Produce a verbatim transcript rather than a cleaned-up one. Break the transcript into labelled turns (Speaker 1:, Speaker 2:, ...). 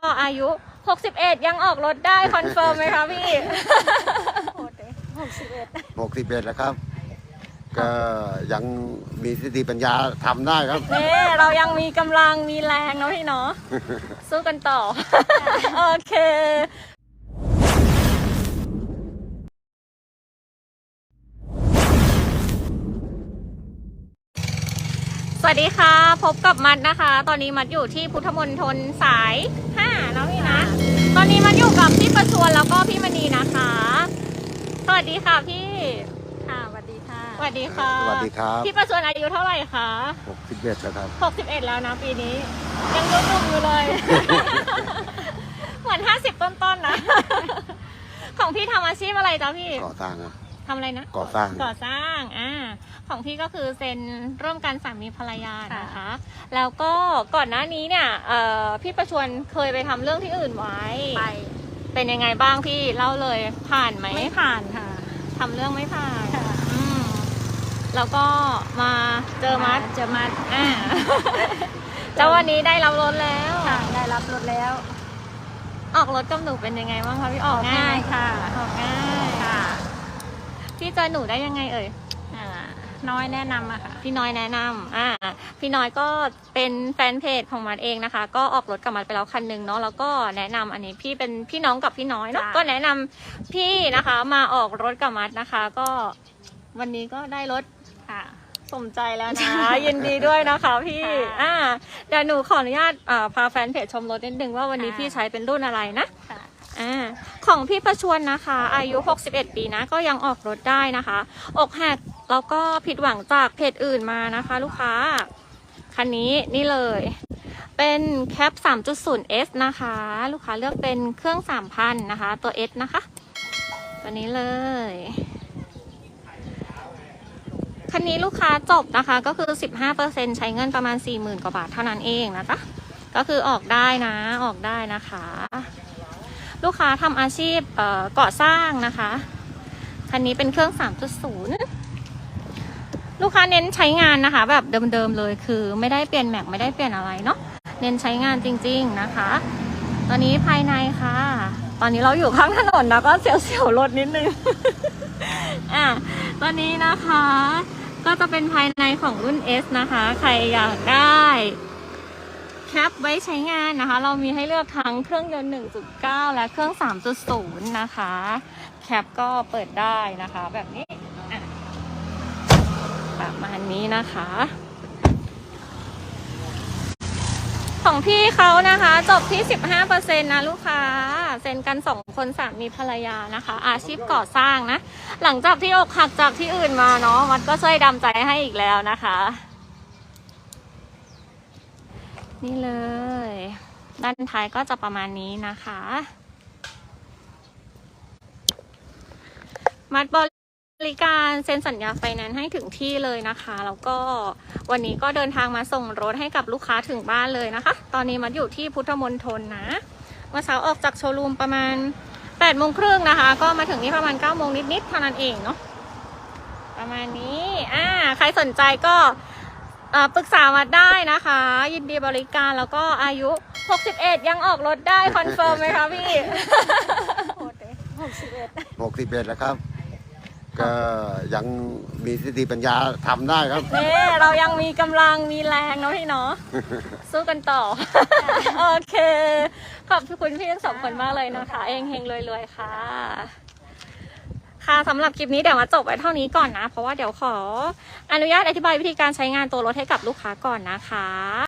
Speaker 1: อายุหกสิบเอ็ดยังออกรถได้คอนเฟิร์มไหมคะพี่
Speaker 2: หกสิบเอ็ด
Speaker 3: หกสิบเอ็ดแล้วครับก็ยังมีสติปัญญาทำได้ครับ
Speaker 1: นี่เรายังมีกำลังมีแรงเนาะพี่เนาะสู้กันต่อโอเคสวัสดีค่ะพบกับมัดนะคะตอนนี้มัดอยู่ที่พุทธมณฑลสายห้าเนาะพี่นะตอนนี้มัดอยู่กับพี่ประชวนแล้วก็พี่มณีนะคะสวัสดีค่ะพี่
Speaker 2: ค่ะสวัสดีค่ะ
Speaker 1: สวัสดีค่ะ
Speaker 3: สวัสดีครับ
Speaker 1: พี่ประชวนอายุเท่าไหร่คะ
Speaker 3: หกสิบเอ็ดแล้วครับ
Speaker 1: หกสิบเอ็ดแล้วนะปีนี้ยังหนุ่มๆอยู่เลย เหมือนห้าสิบต้นๆนะ ของพี่ทำอาชีพอะไรจ๊ะพี่
Speaker 3: ก่อสร้างครับ
Speaker 1: ทำอะไรนะ
Speaker 3: ก่อสร้าง
Speaker 1: ก่อสร้างอ่าของพี่ก็คือเซ็นร่วมกันสามีภรรยานะคะแล้วก็ก่อนหน้านี้เนี่ยเอ่อพี่ประชวนเคยไปทำเรื่องที่อื่นไว้
Speaker 2: ไป
Speaker 1: เป็นยังไงบ้างพี่เล่าเลยผ่านไหม
Speaker 2: ไม่ผ่านค่ะ
Speaker 1: ทำเรื่องไม่ผ่านอืมแล้วก็มาเจอมัด
Speaker 2: เจอมัด
Speaker 1: อ่าแล้ววันนี้ได้รับรถแล้ว
Speaker 2: ค่ะได้รับรถแล้ว
Speaker 1: ออกรถกับหนูเป็นยังไงบ้างคะพี่ออก
Speaker 2: ง่ายค่ะ
Speaker 1: ออกง่าย
Speaker 2: ค่ะ
Speaker 1: พี่เจอหนูได้ยังไงเอ่ย
Speaker 2: น้อยแนะนำอะค่ะ
Speaker 1: พี่น้อยแนะนำอ่าพี่น้อยก็เป็นแฟนเพจของมัดเองนะคะก็ออกรถกับมัดไปแล้วคันหนึ่งเนาะแล้วก็แนะนำอันนี้พี่เป็นพี่น้องกับพี่น้อยเนาะก็แนะนำพี่นะคะมาออกรถกับมัดนะคะก็วันนี้ก็ได้รถ
Speaker 2: ค่ะ
Speaker 1: สมใจแล้วนะ ยินดีด้วยนะคะพี่อ่าเดี๋ยวหนูขออนุญาตอ่าพาแฟนเพจชมรถนิดนึงว่าวันนี้พี่ใช้เป็นรุ่นอะไรนะอ่าของพี่ประชวนนะคะอายุหกสิบเอ็ดปีนะก็ยังออกรถได้นะคะอกหักแล้วก็ผิดหวังจากเพจอื่นมานะคะลูกค้าคันนี้นี่เลยเป็นแคป สามจุดศูนย์ เอส นะคะลูกค้าเลือกเป็นเครื่อง สามพัน นะคะตัว S นะคะตัวนี้เลยคันนี้ลูกค้าจบนะคะก็คือ สิบห้าเปอร์เซ็นต์ ใช้เงินประมาณ สี่หมื่น กว่าบาทเท่านั้นเองนะคะก็คือออกได้นะออกได้นะคะลูกค้าทำอาชีพเอ่อก่อสร้างนะคะคันนี้เป็นเครื่อง สามจุดศูนย์ ลูกค้าเน้นใช้งานนะคะแบบเดิมๆเลยคือไม่ได้เปลี่ยนแม็กไม่ได้เปลี่ยนอะไรเนาะเน้นใช้งานจริงๆนะคะตอนนี้ภายในค่ะตอนนี้เราอยู่ข้างถนนนะก็เสียวๆรถนิดนึง อ่ะตอนนี้นะคะก็จะเป็นภายในของรุ่น S นะคะใครอยากได้แคปไว้ใช้งานนะคะเรามีให้เลือกทั้งเครื่องยนต์ หนึ่งจุดเก้า และเครื่อง สามจุดศูนย์ นะคะแคปก็เปิดได้นะคะแบบนี้ประมาณนี้นะคะของพี่เขานะคะจบที่ สิบห้าเปอร์เซ็นต์ นะลูกค้าเซ็นกันสองคนสามีภรรยานะคะอาชีพก่อสร้างนะหลังจากที่อกหักจากที่อื่นมาเนาะมันก็ช่วยดำใจให้อีกแล้วนะคะนี่เลยด้านท้ายก็จะประมาณนี้นะคะมัดบริการเซ็นสัญญาไฟแนนซ์ให้ถึงที่เลยนะคะแล้วก็วันนี้ก็เดินทางมาส่งรถให้กับลูกค้าถึงบ้านเลยนะคะตอนนี้มัดอยู่ที่พุทธมณฑลนะเมื่อเช้าออกจากโชว์รูมประมาณแปดโมงครึ่งนะคะก็มาถึงนี่ประมาณเก้าโมงนิดๆเท่านั้นเองเนาะประมาณนี้อ่าใครสนใจก็ปรึกษามาได้นะคะยินดีบริการแล้วก็อายุหกสิบเอ็ดยังออกรถได้คอนเฟิร์มไหมคะพี่
Speaker 2: หกสิบเอ็ด
Speaker 3: หกสิบเอ็ดแล้วครับก็ยังมีสติปัญญาทำได้ครับ
Speaker 1: นี่เรายังมีกำลังมีแรงเนาะพี่เนาะสู้กันต่อโอเคขอบคุณพี่ทั้งสองคนมากเลยนะคะเองเฮงรวยๆค่ะค่ะสำหรับคลิปนี้เดี๋ยวมาจบไว้เท่านี้ก่อนนะเพราะว่าเดี๋ยวขออนุญาตอธิบายวิธีการใช้งานตัวรถให้กับลูกค้าก่อนนะคะ